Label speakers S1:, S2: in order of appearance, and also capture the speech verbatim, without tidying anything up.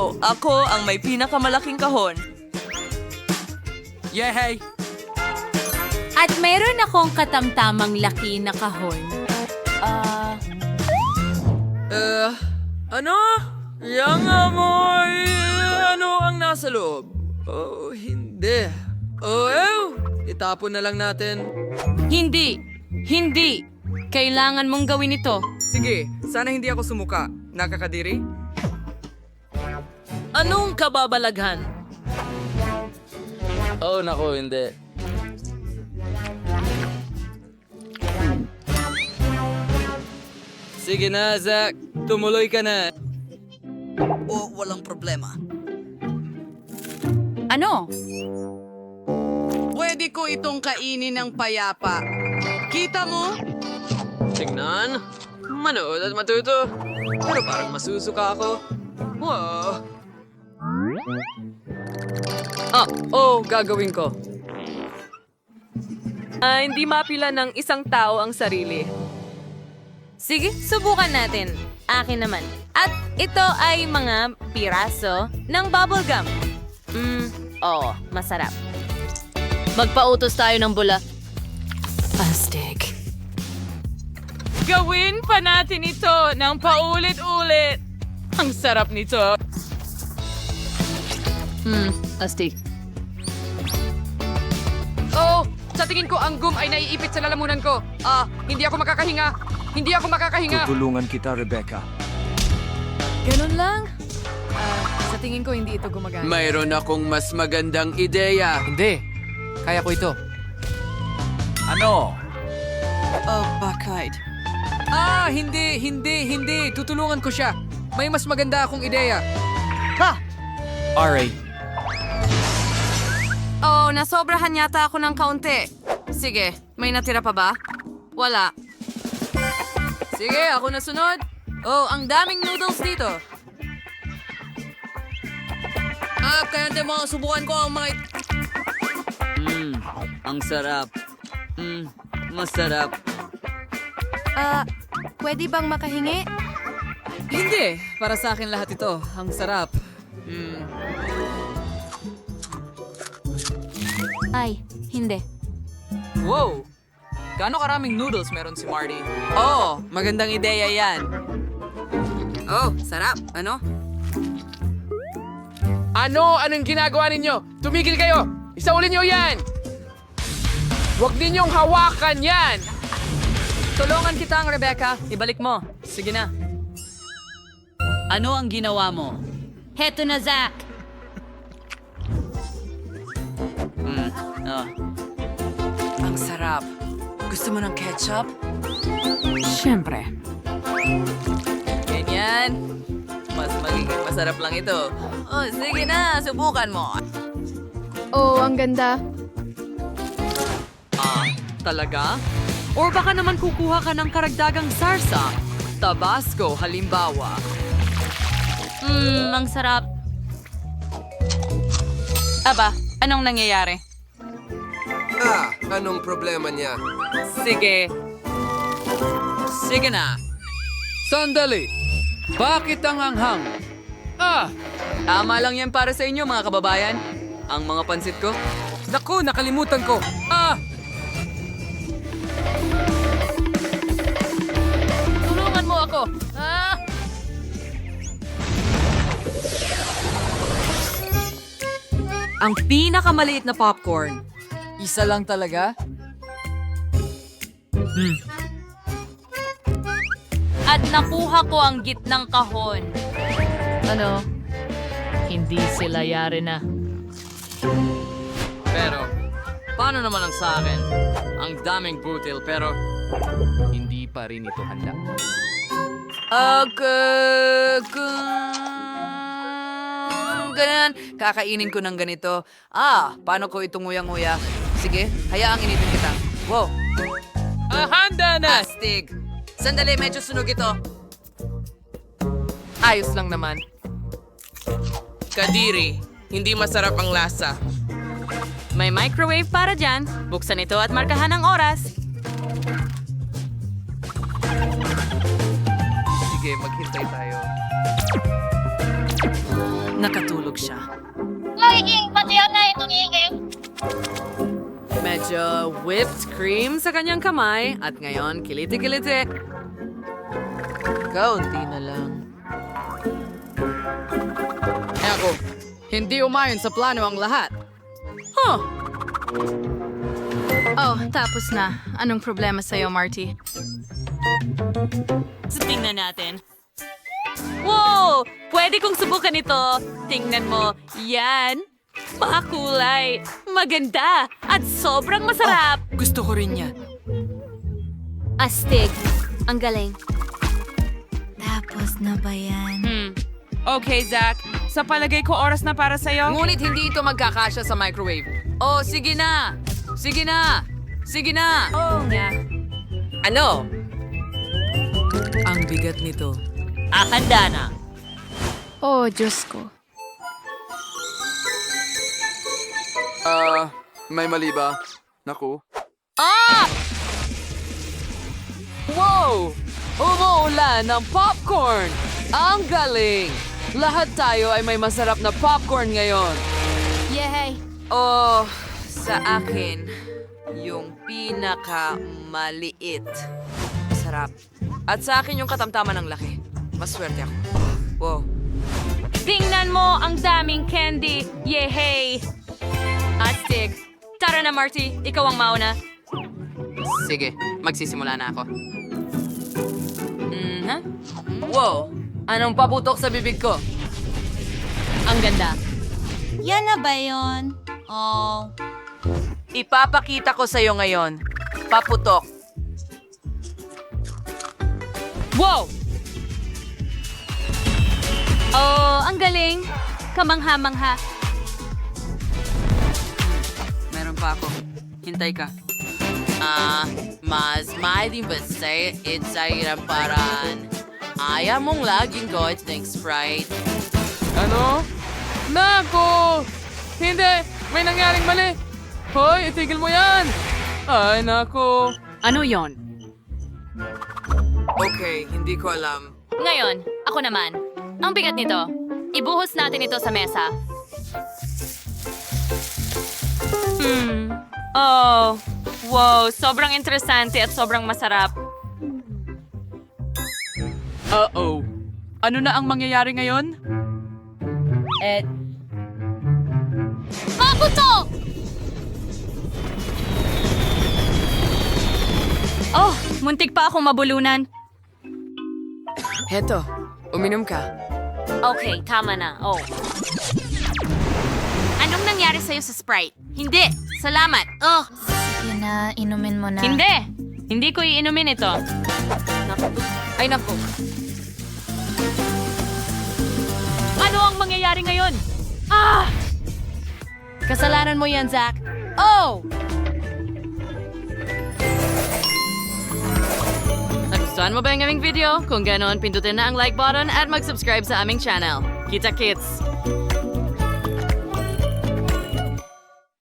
S1: Oh, ako ang may pinakamalaking kahon.
S2: Yehey!
S3: At meron akong katamtamang laki na kahon. Ah...
S1: Eh, ano? Yang amoy... Ano ang nasa loob? Oh, hindi. Oh, ew! Itapon na lang natin.
S3: Hindi! Hindi! Kailangan mong gawin ito.
S2: Sige, sana hindi ako sumuka. Nakakadiri?
S1: Anong kababalaghan? Oh, nako, hindi. Sige na, Zach. Tumuloy ka na. Oh, walang problema.
S3: Ano?
S4: Pwede ko itong kainin ng payapa. Kita mo?
S1: Tingnan. Manood at matuto. Pero parang masusuka ako. Wow. Ah, oh, gagawin ko. Ah, hindi mapila ng isang tao ang sarili.
S3: Sige, subukan natin. Akin naman. At ito ay mga piraso ng bubblegum. Mmm, oo, masarap. Magpautos tayo ng bula. Astig. Gawin pa natin ito ng paulit-ulit. Ang sarap nito. Hmm, astig.
S4: Oh, sa tingin ko ang gum ay naiipit sa lalamunan ko. Ah, hindi ako makakahinga. Hindi ako makakahinga.
S5: Tutulungan kita, Rebecca.
S4: Ganun lang. Ah, sa tingin ko hindi ito gumagana.
S2: Mayroon akong mas magandang ideya. Hindi. Kaya ko ito.
S5: Ano?
S4: Oh, bakit?
S2: Ah, hindi, hindi, hindi. Tutulungan ko siya. May mas maganda akong ideya.
S5: R A.
S4: Oh, nasobrahan yata ako ng kaunti. Sige, may natira pa ba? Wala. Sige, ako na sunod. Oh, ang daming noodles dito. Ah, kaya hindi mo subukan ko ang mga...
S1: Mmm, ang sarap. Mmm, masarap.
S4: Ah, pwede bang makahingi?
S2: Hindi. Para sa akin lahat ito. Ang sarap. Mm.
S3: Ay, hindi.
S2: Wow! Gaano karaming noodles meron si Marty? Oh, magandang ideya yan.
S4: Oh, sarap. Ano?
S6: Ano? Anong ginagawa ninyo? Tumigil kayo! Isaulin niyo yan! Huwag ninyong hawakan yan!
S1: Tulungan kita, Rebecca. Ibalik mo. Sige na. Ano ang ginawa mo?
S3: Heto na, Zach.
S1: Hmm, oh.
S4: Ang sarap. Gusto mo ng ketchup?
S3: Siyempre.
S1: Ganyan. Mas magiging masarap lang ito. Oh, sige na. Subukan mo.
S7: Oh, ang ganda.
S1: Ah, talaga? Or baka naman kukuha ka ng karagdagang sarsa. Tabasco, halimbawa.
S3: Mmm, ang sarap.
S4: Aba, anong nangyayari?
S8: Ah, anong problema niya?
S1: Sige. Sige na.
S2: Sandali! Bakit ang hanghang? Ah!
S1: Tama lang yan para sa inyo, mga kababayan. Ang mga pansit ko.
S2: Naku, nakalimutan ko. Ah!
S1: Tulungan mo ako. Ah! Ang pinakamaliit na popcorn.
S2: Isa lang talaga?
S3: At nakuha ko ang gitnang kahon.
S9: Ano? Hindi sila yari na.
S1: Pero, paano naman ang sa akin? Ang daming butil, pero...
S6: Hindi pa rin ito handa.
S4: Okay, ganyan. Kakainin ko ng ganito. Ah, paano ko ito nguyang-nguya? Sige, hayaang initin kita. Wow,
S2: Ah, handa na!
S4: astig. Sandali, medyo sunog ito. Ayos lang naman.
S1: Kadiri, hindi masarap ang lasa.
S3: May microwave para dyan. Buksan ito at markahan ang oras.
S2: Sige, maghintay tayo. Nakatulog siya.
S10: Magiging matiyak na itong ingay.
S4: Medyo whipped cream sa kanyang kamay at ngayon kiliti-kiliti.
S2: Kaunti na lang. Ako, hindi umayon sa plano ang lahat.
S4: Huh.
S7: Oh, tapos na. Anong problema sa'yo, Marty?
S1: So, tingnan natin. Wow! Pwede kong subukan ito. Tingnan mo. Yan. Makulay. Maganda. At sobrang masarap.
S2: Gusto ko rin yan.
S10: Astig. Ang galing. Tapos na ba yan?
S1: Hmm. Okay, Zach. Sa palagay ko, oras na para sa'yo.
S4: Ngunit hindi ito magkakasya sa microwave. Oh, sige na! Sige na! Sige na!
S1: Oo nga.
S4: Ano? Ang bigat nito.
S1: Ah, handa na.
S7: Oh, Diyos ko.
S5: Ah, may mali ba? Naku.
S4: Wow! Umuulan ng popcorn! Ang galing! Lahat tayo ay may masarap na popcorn ngayon.
S10: Yay!
S4: Oh, sa akin, yung pinakamaliit. Sarap. At sa akin yung katamtaman ng laki. Maswerte ako. Wow.
S1: Tingnan mo ang daming candy. Yehey! Astig. Tara na, Marty. Ikaw ang mauna.
S4: Sige, magsisimula na ako. Mhm. Wow! Anong paputok sa bibig ko?
S1: Ang ganda.
S10: Yan na ba yun? Oh.
S4: Ipapakita ko sa'yo ngayon. Paputok.
S1: Wow! Oh, ang galing. Kamangha-mangha.
S4: Meron pa ako. Hintay ka. Ah, mas mahiling ba say it sa hirap paraan? Ayaw mong laging goit ng Sprite.
S6: Ano? Nako! Hindi! May nangyaring mali! Hoy, itigil mo yan! Ay, nako!
S1: Ano yon?
S4: Okay, hindi ko alam.
S1: Ngayon, ako naman. Ang bigat nito. Ibuhos natin ito sa mesa. Hmm. Oh. Wow, sobrang interesante at sobrang masarap.
S2: Uh-oh. Ano na ang mangyayari ngayon?
S1: Eh,
S10: Paputok!
S1: oh, muntik pa akong mabulunan.
S4: Heto, uminom ka.
S1: Okay, tama na. Oh. Anong nangyari sa'yo sa Sprite? Hindi. Salamat. Oh.
S10: Sige na, inumin mo na.
S1: Hindi. Hindi ko iinumin ito.
S4: Ay, naku.
S1: Ano ang mangyayari ngayon? Ah!
S4: Kasalanan mo yan, Zach. Oh! Nagustuhan mo ba yung aming video? Kung ganoon, pindutin na ang like button at mag-subscribe sa aming channel. Kita-kits!